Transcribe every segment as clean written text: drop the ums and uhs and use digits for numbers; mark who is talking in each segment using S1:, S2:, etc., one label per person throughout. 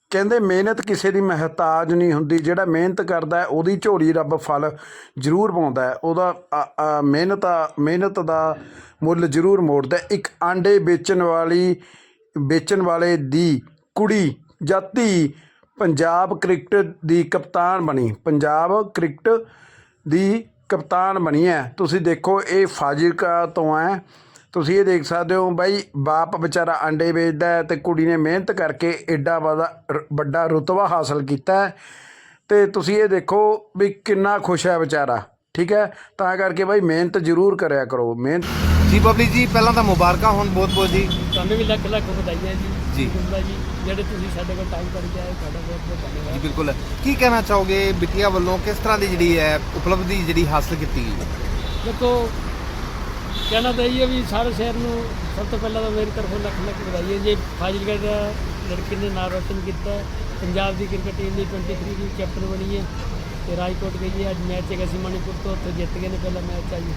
S1: ਕਹਿੰਦੇ ਮਿਹਨਤ ਕਿਸੇ ਦੀ ਮਹਿਤਾਜ ਨਹੀਂ ਹੁੰਦੀ। ਜਿਹੜਾ ਮਿਹਨਤ ਕਰਦਾ ਉਹਦੀ ਝੋਲੀ ਰੱਬ ਫਲ ਜ਼ਰੂਰ ਪਾਉਂਦਾ ਹੈ। ਉਹਦਾ ਮਿਹਨਤ ਦਾ ਮੁੱਲ ਜ਼ਰੂਰ ਮੋੜਦਾ। ਇੱਕ ਆਂਡੇ ਵੇਚਣ ਵਾਲੇ ਦੀ ਕੁੜੀ ਜਾਂ ਧੀ ਪੰਜਾਬ ਕ੍ਰਿਕਟ ਦੀ ਕਪਤਾਨ ਬਣੀ ਹੈ। ਤੁਸੀਂ ਦੇਖੋ ਇਹ ਫਾਜ਼ਿਲਕਾ ਤੋਂ ਹੈ। ਤੁਸੀਂ ਇਹ ਦੇਖ ਸਕਦੇ ਹੋ ਬਾਈ, ਬਾਪ ਵਿਚਾਰਾ ਆਂਡੇ ਵੇਚਦਾ ਹੈ ਅਤੇ ਕੁੜੀ ਨੇ ਮਿਹਨਤ ਕਰਕੇ ਐਡਾ ਵੱਡਾ ਰੁਤਬਾ ਹਾਸਲ ਕੀਤਾ ਹੈ। ਅਤੇ ਤੁਸੀਂ ਇਹ ਦੇਖੋ ਵੀ ਕਿੰਨਾ ਖੁਸ਼ ਹੈ ਵਿਚਾਰਾ। ਠੀਕ ਹੈ, ਤਾਂ ਕਰਕੇ ਬਾਈ ਮਿਹਨਤ ਜ਼ਰੂਰ ਕਰਿਆ ਕਰੋ। ਮਿਹਨਤ
S2: ਜੀ ਬਬਲੀ ਜੀ, ਪਹਿਲਾਂ ਤਾਂ ਮੁਬਾਰਕਾਂ ਹੋਣ ਬਹੁਤ ਬਹੁਤ ਜੀ।
S3: ਤੁਹਾਨੂੰ ਵੀ ਲੱਖ ਲੱਖ ਵਧਾਈਆਂ ਜੀ।
S2: ਜੀ
S3: ਜੀ ਜਿਹੜੇ ਤੁਸੀਂ ਸਾਡੇ ਕੋਲ ਟਾਈਮ ਕੱਢ ਕੇ ਆਏ, ਤੁਹਾਡਾ ਬਹੁਤ ਬਹੁਤ ਧੰਨਵਾਦ
S2: ਜੀ। ਬਿਲਕੁਲ, ਕੀ ਕਹਿਣਾ ਚਾਹੋਗੇ ਬਿਟੀਆ ਵੱਲੋਂ ਕਿਸ ਤਰ੍ਹਾਂ ਦੀ ਜਿਹੜੀ ਹੈ ਉਪਲਬਧੀ ਜਿਹੜੀ ਹਾਸਲ ਕੀਤੀ ਗਈ?
S3: ਦੇਖੋ, ਕਹਿਣਾ ਤਾਂ ਇਹ ਹੈ ਵੀ ਸਾਰੇ ਸ਼ਹਿਰ ਨੂੰ ਸਭ ਤੋਂ ਪਹਿਲਾਂ ਤਾਂ ਮੇਰੀ ਤਰਫੋਂ ਲੱਖ ਲੱਖ ਵਧਾਈ ਹੈ ਜੀ। ਫਾਜ਼ਿਲਕਾ ਦਾ ਲੜਕੀ ਨੇ ਨਾਮ ਰੋਸ਼ਨ ਕੀਤਾ। ਪੰਜਾਬ ਦੀ ਕ੍ਰਿਕਟ ਟੀਮ ਦੀ 23 ਦੀ ਕੈਪਟਨ ਬਣੀ ਹੈ ਅਤੇ ਰਾਜਕੋਟ ਗਈ ਹੈ। ਅੱਜ ਮੈਚ ਹੈਗਾ ਸੀ ਮਣੀਪੁਰ ਤੋਂ, ਉੱਥੇ ਜਿੱਤ ਗਏ ਨੇ ਪਹਿਲਾ ਮੈਚ ਆ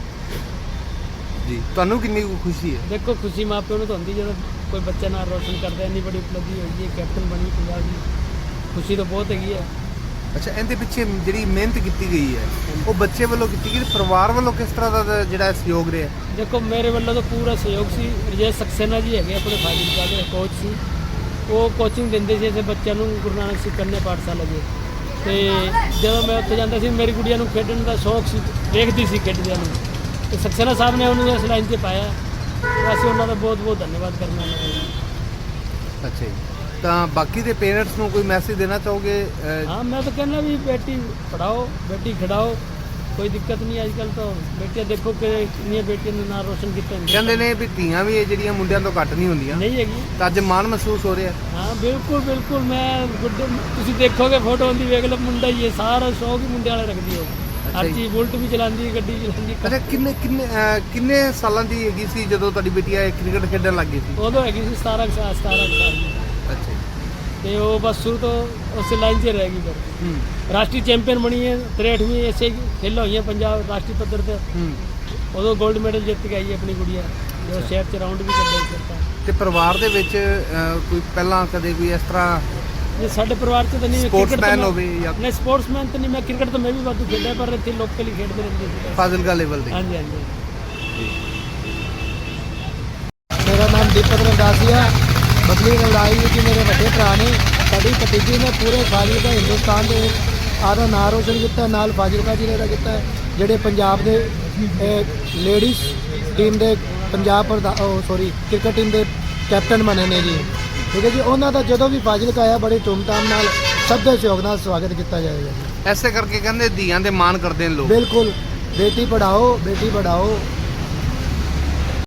S2: ਜੀ। ਤੁਹਾਨੂੰ ਕਿੰਨੀ ਕੁ ਖੁਸ਼ੀ ਹੈ?
S3: ਦੇਖੋ, ਖੁਸ਼ੀ ਮਾਂ ਪਿਓ ਨੂੰ ਤਾਂ ਹੁੰਦੀ ਜਦੋਂ ਕੋਈ ਬੱਚਾ ਨਾਮ ਰੋਸ਼ਨ ਕਰਦਾ। ਇੰਨੀ ਬੜੀ ਉਪਲਬਧੀ ਹੋਈ ਹੈ, ਕੈਪਟਨ ਬਣੀ ਪੰਜਾਬ ਦੀ, ਖੁਸ਼ੀ ਤਾਂ ਬਹੁਤ ਹੈਗੀ ਹੈ।
S2: ਅੱਛਾ, ਇਹਦੇ ਪਿੱਛੇ ਜਿਹੜੀ ਮਿਹਨਤ ਕੀਤੀ ਗਈ ਹੈ ਉਹ ਬੱਚੇ ਵੱਲੋਂ ਕੀਤੀ ਗਈ, ਪਰਿਵਾਰ ਵੱਲੋਂ ਕਿਸ ਤਰ੍ਹਾਂ ਦਾ ਜਿਹੜਾ ਸਹਿਯੋਗ ਰਿਹਾ?
S3: ਦੇਖੋ, ਮੇਰੇ ਵੱਲੋਂ ਤਾਂ ਪੂਰਾ ਸਹਿਯੋਗ ਸੀ। ਰਜੇਸ਼ ਸਕਸੇਨਾ ਜੀ ਹੈਗੇ ਆਪਣੇ ਫਾਜ਼ਿਲਕਾ ਦੇ ਕੋਚ ਸੀ। ਉਹ ਕੋਚਿੰਗ ਦਿੰਦੇ ਸੀ ਇਸੇ ਬੱਚਿਆਂ ਨੂੰ ਗੁਰੂ ਨਾਨਕ ਸਿੱਖ ਕੰਨਿਆ ਪਾਠਸ਼ਾਲਾ ਦੇ। ਅਤੇ ਜਦੋਂ ਮੈਂ ਉੱਥੇ ਜਾਂਦਾ ਸੀ, ਮੇਰੀ ਕੁੜੀਆਂ ਨੂੰ ਖੇਡਣ ਦਾ ਸ਼ੌਕ ਸੀ, ਵੇਖਦੀ ਸੀ ਖੇਡਦਿਆਂ ਨੂੰ, ਅਤੇ ਸਕਸੇਨਾ ਸਾਹਿਬ ਨੇ ਉਹਨੂੰ ਇਸ ਲਾਈਨ 'ਤੇ ਪਾਇਆ। ਅਸੀਂ ਉਹਨਾਂ ਦਾ ਬਹੁਤ ਬਹੁਤ ਧੰਨਵਾਦ ਕਰਨਾ ਉਹਨਾਂ ਦਾ।
S2: ਅੱਛਾ ਜੀ, ਤਾਂ ਬਾਕੀ ਦੇ ਪੇਰੈਂਟਸ ਨੂੰ ਕੋਈ ਮੈਸੇਜ ਦੇਣਾ ਚਾਹੋਗੇ?
S3: ਹਾਂ, ਮੈਂ ਤਾਂ ਕਹਿੰਦਾ ਵੀ ਬੇਟੀ ਪੜ੍ਹਾਓ, ਬੇਟੀ ਖਿਡਾਓ, ਕੋਈ ਦਿੱਕਤ ਨਹੀਂ। ਅੱਜ ਕੱਲ੍ਹ ਤਾਂ ਬੇਟੀਆਂ ਦੇਖੋ ਕਿ ਕਿੰਨੀਆਂ ਬੇਟੀਆਂ ਨੇ ਨਾਮ ਰੋਸ਼ਨ ਕੀਤਾ।
S2: ਕਹਿੰਦੇ ਨੇ ਵੀ ਧੀਆਂ ਵੀ ਇਹ ਜਿਹੜੀਆਂ ਮੁੰਡਿਆਂ ਤੋਂ ਘੱਟ ਨਹੀਂ ਹੁੰਦੀਆਂ।
S3: ਨਹੀਂ ਹੈਗੀ
S2: ਤਾਂ ਅੱਜ ਮਾਣ ਮਹਿਸੂਸ ਹੋ ਰਿਹਾ?
S3: ਹਾਂ, ਬਿਲਕੁਲ ਬਿਲਕੁਲ। ਮੈਂ ਤੁਸੀਂ ਦੇਖੋਗੇ ਫੋਟੋ ਹੁੰਦੀ ਵੇਖ ਲਓ, ਮੁੰਡਾ ਹੀ ਹੈ, ਸਾਰਾ ਸ਼ੌਕ ਹੀ ਮੁੰਡੇ ਵਾਲਾ ਰੱਖਦੀ ਹੋ। ਹਰ ਚੀਜ਼, ਬੁਲਟ ਵੀ ਚਲਾਉਂਦੀ, ਗੱਡੀ ਚਲਾਉਂਦੀ।
S2: ਅੱਛਾ, ਕਿੰਨੇ ਸਾਲਾਂ ਦੀ ਹੈਗੀ ਸੀ ਜਦੋਂ ਤੁਹਾਡੀ ਬੇਟੀ ਕ੍ਰਿਕਟ ਖੇਡਣ ਲੱਗ ਗਈ ਸੀ?
S3: ਉਦੋਂ ਹੈਗੀ ਸੀ 17 ਸਾਲ ਦੀ।
S2: ਅੱਛਾ
S3: ਤੇ ਉਹ ਬਸ ਸ਼ੁਰੂ ਤੋਂ ਉਸੇ ਲਾਈਨ 'ਤੇ ਰਹਿ ਗਈ। ਫਿਰ ਰਾਸ਼ਟਰੀ ਚੈਂਪੀਅਨ ਬਣੀ ਹੈ 63ਵੀਂ ਐਸੇ ਖੇਲਾਂ ਹੋਈਆਂ ਪੰਜਾਬ ਰਾਸ਼ਟਰੀ ਪੱਧਰ 'ਤੇ। ਉਦੋਂ 골ਡ ਮੈਡਲ ਜਿੱਤ ਕੇ ਆਈ ਹੈ ਆਪਣੀ ਗੁੜੀਆ, ਜੋ ਸ਼ਹਿਰ 'ਚ ਰਾਊਂਡ ਵੀ ਕੱਢਿਆ ਸੀ।
S2: ਤੇ ਪਰਿਵਾਰ ਦੇ ਵਿੱਚ ਕੋਈ ਪਹਿਲਾਂ ਕਦੇ ਕੋਈ ਇਸ ਤਰ੍ਹਾਂ
S3: ਜੇ ਸਾਡੇ ਪਰਿਵਾਰ 'ਚ ਤਾਂ ਨਹੀਂ
S2: ਸਪੋਰਟਸਮੈਨ ਹੋਵੇ ਜਾਂ
S3: ਨਹੀਂ, ਸਪੋਰਟਸਮੈਨ ਤਾਂ ਨਹੀਂ। ਮੈਂ ਕ੍ਰਿਕਟ ਤਾਂ ਮੈਂ ਵੀ ਵਾਧੂ ਖੇਡਿਆ, ਪਰ ਇੱਥੇ ਲੋਕਲ ਹੀ ਖੇਡਦੇ ਰਹਿੰਦੇ ਸੀ
S2: ਫਾਜ਼ਿਲਕਾ ਲੈਵਲ ਤੇ।
S3: ਹਾਂਜੀ ਹਾਂਜੀ।
S4: ਮੇਰਾ ਨਾਮ ਦੀਪਕ ਰੰਦਾਸੀਆ। ਬਬਲੀ ਲੜਾਈ ਜੀ ਮੇਰੇ ਵੱਡੇ ਭਰਾ ਨੇ। ਸਾਡੀ ਭਤੀਜੀ ਨੇ ਪੂਰੇ ਫਾਜ਼ਿਲਕਾ ਹਿੰਦੁਸਤਾਨ ਦੇ ਆਦਾ ਨਾਂ ਰੋਸ਼ਨ ਕੀਤਾ, ਨਾਲ ਫਾਜ਼ਿਲਕਾ ਜ਼ਿਲ੍ਹੇ ਦਾ ਕੀਤਾ। ਜਿਹੜੇ ਪੰਜਾਬ ਦੇ ਲੇਡੀਜ਼ ਟੀਮ ਦੇ ਕ੍ਰਿਕਟ ਟੀਮ ਦੇ ਕੈਪਟਨ ਬਣੇ ਨੇ ਜੀ। ਠੀਕ ਹੈ ਜੀ। ਉਹਨਾਂ ਦਾ ਜਦੋਂ ਵੀ ਫਾਜ਼ਿਲਕਾ ਆਇਆ ਬੜੀ ਧੂਮਧਾਮ ਨਾਲ ਸਭ ਦੇ ਸਹਿਯੋਗ ਨਾਲ ਸਵਾਗਤ ਕੀਤਾ ਜਾਏਗਾ ਜੀ।
S2: ਐਸੇ ਕਰਕੇ ਕਹਿੰਦੇ ਧੀਆਂ ਦੇ ਮਾਣ ਕਰਦੇ ਨੇ ਲੋਕ।
S4: ਬਿਲਕੁਲ, ਬੇਟੀ ਪੜਾਓ, ਬੇਟੀ ਪੜਾਓ।